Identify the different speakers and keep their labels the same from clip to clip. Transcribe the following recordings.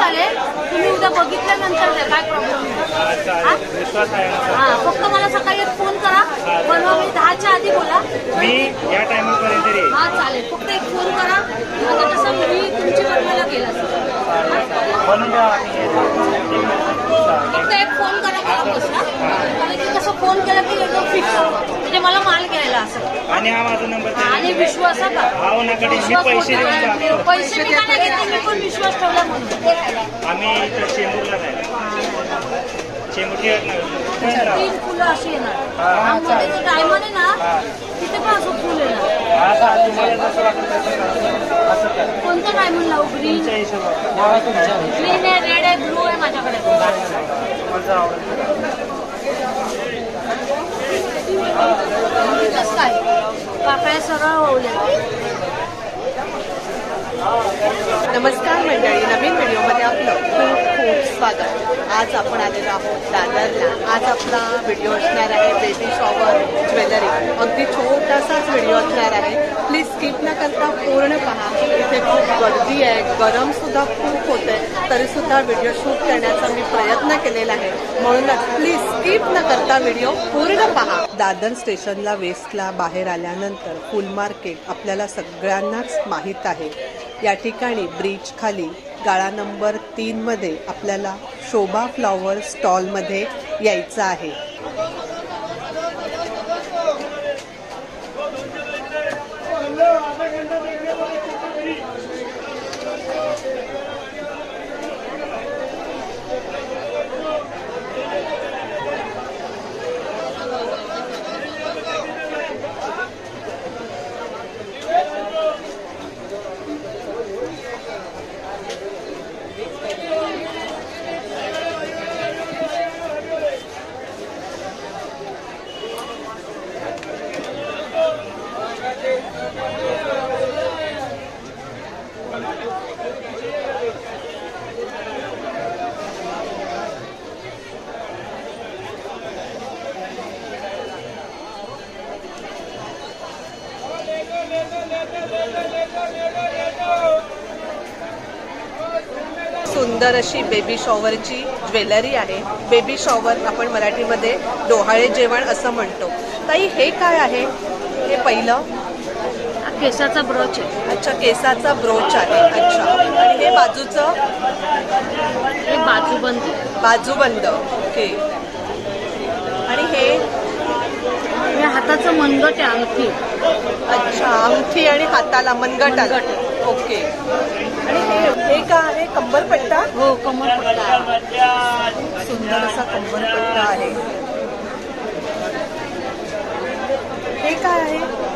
Speaker 1: चालेल, तुम्ही उद्या बघितल्यानंतर द्या, काय प्रॉब्लेम नाही. हां, फक्त मला सकाळी एक फोन करा, बनवा, मी 10च्या आधी बोला.
Speaker 2: मी या टायमिंगपर्यंत येईल.
Speaker 1: हां चालेल, फक्त एक फोन करा. आता कसं मी तुमची बनवायला गेला
Speaker 2: बनवून द्या.
Speaker 1: फक्त एक फोन करा मला बस ना, कारण की कसं फोन केला की एकदम फिक्स म्हणजे मला माल घ्यायला असं.
Speaker 2: आणि हा माझा नंबर
Speaker 1: आणि विश्वास का
Speaker 2: हा नकडे मी पैसे देऊन टाकतो.
Speaker 1: पैसे मी का नाही घेतले, मी पण विश्वास ठेवला म्हणून.
Speaker 2: आम्ही इथं चेंबूरला जायला चेंबूरची
Speaker 1: 3 फुलं अशी येणार. आममध्ये जे डायमंड आहे ना तिथे पण असं फुल येणार.
Speaker 2: तुम्हाला जसं वाटतं तसं असं करा.
Speaker 1: कोणतं डायमंड लावू? ग्रीन
Speaker 2: तुमच्या हिशोबात
Speaker 1: ग्रीन आहे, रेड आहे, ब्लू आहे माझ्याकडे.
Speaker 2: माझं आवडतं.
Speaker 1: कसं काय पाकळ्या सरळ ओवल्या.
Speaker 3: नमस्कार मंडळी, नवीन व्हिडिओमध्ये आपलं खूप खूप स्वागत. आज आपण आलेलो आहोत दादरला. आज आपला व्हिडिओ असणार आहे बेबी शॉवर ज्वेलरी. अगदी छोटासाच व्हिडिओ असणार आहे. प्लीज स्किप न करता पूर्ण पहा. इथे खूप गर्दी आहे, गरमसुद्धा खूप होत आहे, तरीसुद्धा व्हिडिओ शूट करण्याचा मी प्रयत्न केलेला आहे. म्हणूनच प्लीज स्किप न करता व्हिडिओ पूर्ण पहा. दादर स्टेशनला वेस्टला बाहेर आल्यानंतर फुल मार्केट आपल्याला सगळ्यांनाच माहीत आहे. या ठिकाणी ब्रिज खाली गाळा नंबर 3 मध्ये आपल्याला शोभा फ्लॉवर स्टॉलमध्ये यायचं आहे. सुंदर अशी बेबी शॉवरची ज्वेलरी आहे. बेबी शॉवर आपण मराठीमध्ये डोहाळे जेवण असं म्हणतो. ताई, हे काय आहे? हे पहिलं
Speaker 1: केसाचा ब्रोच आहे.
Speaker 3: अच्छा, केसाचा ब्रोच आहे. अच्छा, आणि हे बाजूचं
Speaker 1: हे बाजूबंद.
Speaker 3: बाजूबंद. ओके. आणि हे
Speaker 1: हाताचं मनगट आहे, अंगठी.
Speaker 3: अच्छा, अंगठी आणि हाताला मनगटाला. ओके. आणि हे का आहे? कंबरपट्टा.
Speaker 1: हो, कमरपट्टा.
Speaker 3: सुंदर असा कंबरपट्टा आहे. हे काय आहे?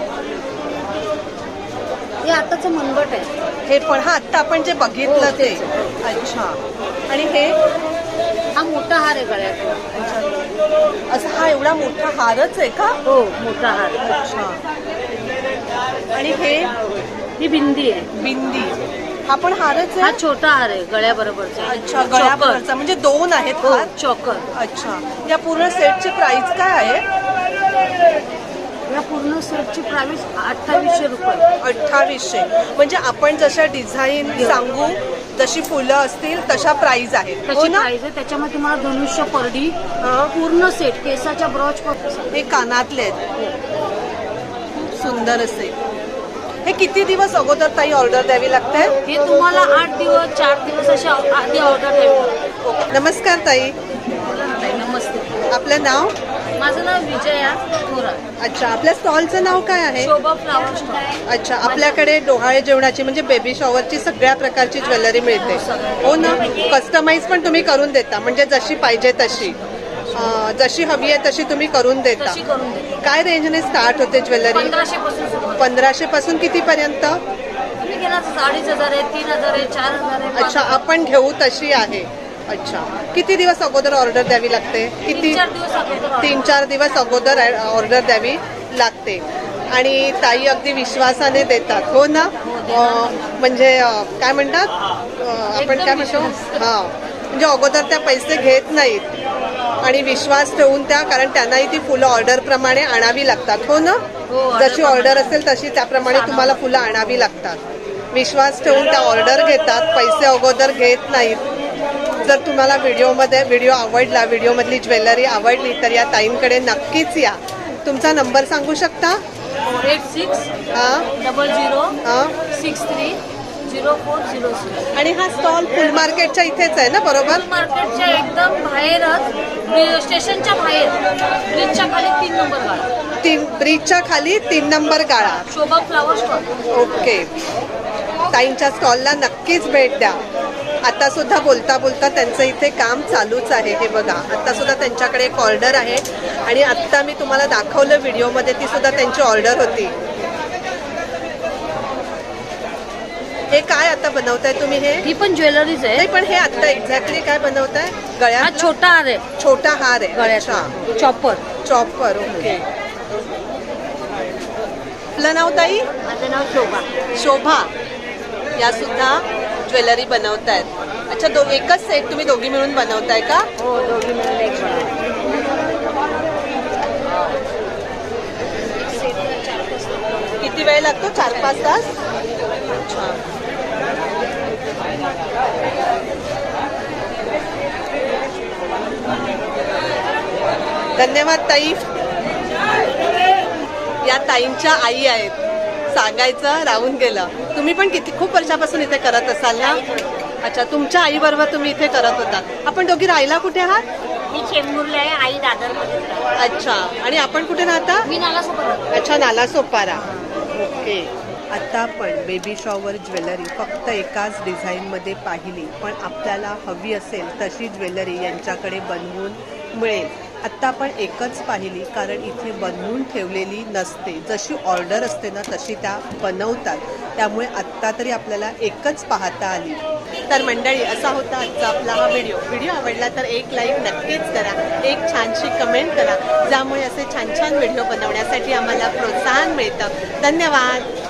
Speaker 1: हे हाताचं मनगट आहे.
Speaker 3: हे पण हा आत्ता आपण जे बघितलं ते. अच्छा. आणि हे
Speaker 1: हा मोठा हार आहे गळ्यात.
Speaker 3: असं हा एवढा मोठा हारच आहे का?
Speaker 1: हो, मोठा हार.
Speaker 3: अच्छा. आणि हे
Speaker 1: ही बिंदी आहे.
Speaker 3: बिंदी. हा पण हारच
Speaker 1: हा
Speaker 3: आहे.
Speaker 1: छोटा हार आहे गळ्याबरोबरचा.
Speaker 3: अच्छा, गळ्याबरोबरचा म्हणजे 2 आहेत
Speaker 1: हो,
Speaker 3: हार.
Speaker 1: चोकर.
Speaker 3: अच्छा. या पूर्ण सेटची प्राइस काय आहे?
Speaker 1: या पूर्ण सेटची प्राइस 2800 रुपये.
Speaker 3: 2800. म्हणजे आपण जशा डिझाईन सांगू, जशी फुलं असतील तशा प्राइस आहेत. हो
Speaker 1: तशी
Speaker 3: ना?
Speaker 1: प्राइस आहे. त्याच्यामध्ये तुम्हाला धनुष्य, परडी,
Speaker 3: हा.
Speaker 1: पूर्ण सेट, केसाच्या ब्रॉच.
Speaker 3: हे कानातले आहेत. सुंदर असे. हे किती दिवस अगोदर ताई ऑर्डर द्यावी लागते?
Speaker 1: हे तुम्हाला 8 दिवस 4 दिवस अशी आधी ऑर्डर द्यावी.
Speaker 3: नमस्कार ताई.
Speaker 1: नमस्ते.
Speaker 3: आपलं नाव?
Speaker 1: माझं नाव विजया थोरात.
Speaker 3: अच्छा. आपल्या स्टॉलचं नाव काय आहे?
Speaker 1: Shobha flower stall.
Speaker 3: अच्छा. आपल्याकडे डोहाळे जेवणाची म्हणजे बेबी शॉवरची सगळ्या प्रकारची ज्वेलरी मिळते. हो ना? कस्टमाइज पण तुम्ही करून देता, म्हणजे जशी पाहिजे तशी, जशी हवी आहे तशी तुम्ही करून देता.
Speaker 1: तशी करून देते.
Speaker 3: काय रेंजने स्टार्ट होते ज्वेलरी?
Speaker 1: 1500 पासून सुरुवात.
Speaker 3: 1500 पासून कितीपर्यंत?
Speaker 1: तुम्ही घेणार 2500 आहे, 3000 आहे, 4000 आहे.
Speaker 3: अच्छा, आपण घेऊ तशी आहे. अच्छा. किती दिवस अगोदर ऑर्डर द्यावी लागते? किती?
Speaker 1: 3-4 दिवस अगोदर.
Speaker 3: 3-4 दिवस अगोदर ऑर्डर द्यावी लागते. आणि ताई अगदी विश्वासाने देतात. हो ना? म्हणजे काय म्हणतात आपण, काय म्हणतो, हां, म्हणजे अगोदर त्या पैसे घेत नाहीत आणि विश्वास ठेवून त्या, कारण त्यांनाही ती फुलं ऑर्डरप्रमाणे आणावी लागतात. हो ना? जशी ऑर्डर असेल तशी त्याप्रमाणे तुम्हाला फुलं आणावी लागतात. विश्वास ठेवून त्या ऑर्डर घेतात, पैसे अगोदर घेत नाहीत. जर तुम्हाला व्हिडिओ आवडला, व्हिडिओमधली ज्वेलरी आवडली तर या ताईंकडे नक्कीच या. तुमचा नंबर सांगू शकता?
Speaker 1: 86
Speaker 3: हां
Speaker 1: 00
Speaker 3: हां
Speaker 1: 63 0406.
Speaker 3: आणि हा स्टॉल फुल मार्केटच्या इथेच आहे ना, बरोबर?
Speaker 1: मार्केटच्या एकदम बाहेरच, स्टेशनच्या बाहेर, ब्रिजच्या खाली 3 नंबर गाळा,
Speaker 3: ब्रिजच्या खाली 3 नंबर गाळा.
Speaker 1: Shobha flower stall.
Speaker 3: ओके. ताईंच्या स्टॉलला नक्कीच भेट द्या. आता सुद्धा बोलता बोलता त्यांचं इथे काम चालूच आहे. हे बघा, आता सुद्धा त्यांच्याकडे एक ऑर्डर आहे आणि आत्ता मी तुम्हाला दाखवलं व्हिडिओमध्ये, ती सुद्धा त्यांची ऑर्डर होती. हे काय आता बनवताय तुम्ही? हे
Speaker 1: ही पण ज्वेलरीज आहे.
Speaker 3: नाही, पण हे आता एक्झॅक्टली काय बनवताय?
Speaker 1: हा
Speaker 3: गळ्यात
Speaker 1: छोटा हार आहे,
Speaker 3: छोटा हार आहे.
Speaker 1: गळ्याचा चॉपर.
Speaker 3: चॉपर. ओके. आपलं नाव ताई?
Speaker 1: माझं नाव शोभा.
Speaker 3: शोभा. या सुद्धा ज्वेलरी बनवतायत. अच्छा, एकच सेट तुम्ही दोघी मिळून बनवताय का?
Speaker 1: हो, दोघी मिळून एक
Speaker 3: किती वेळ लागतो? 4-5 तास. अच्छा. धन्यवाद ताई. या ताईंच्या आई आहेत, सांगायचं राहून गेलं. तुम्ही पण खूप वर्षापासून इथे करत असाल ना? अच्छा, तुमच्या आई बरोबर तुम्ही इथे करत होता. आपण दोघी राहायला कुठे आहात?
Speaker 1: मी चेंबूरला आहे, आई दादरमध्ये.
Speaker 3: अच्छा. आणि आपण कुठे राहता?
Speaker 1: मी नालासोबत.
Speaker 3: अच्छा, नालासोपारा. ओके. आता आपण बेबी शॉवर ज्वेलरी फक्त एकाच डिझाईनमध्ये पाहिली, पण आपल्याला हवी असेल तशी ज्वेलरी यांच्याकडे बनवून मिळेल. आत्ता आपण एकच पाहिली, कारण इथे बनवून ठेवलेली नसते. जशी ऑर्डर असते ना तशी त्या बनवतात. त्यामुळे आत्ता तरी आपल्याला एकच पाहता आली. तर मंडळी, असा होता आजचा आपला हा व्हिडिओ आवडला तर एक लाईक नक्कीच करा, एक छानशी कमेंट करा, ज्यामुळे असे छान छान व्हिडिओ बनवण्यासाठी आम्हाला प्रोत्साहन मिळतं. धन्यवाद.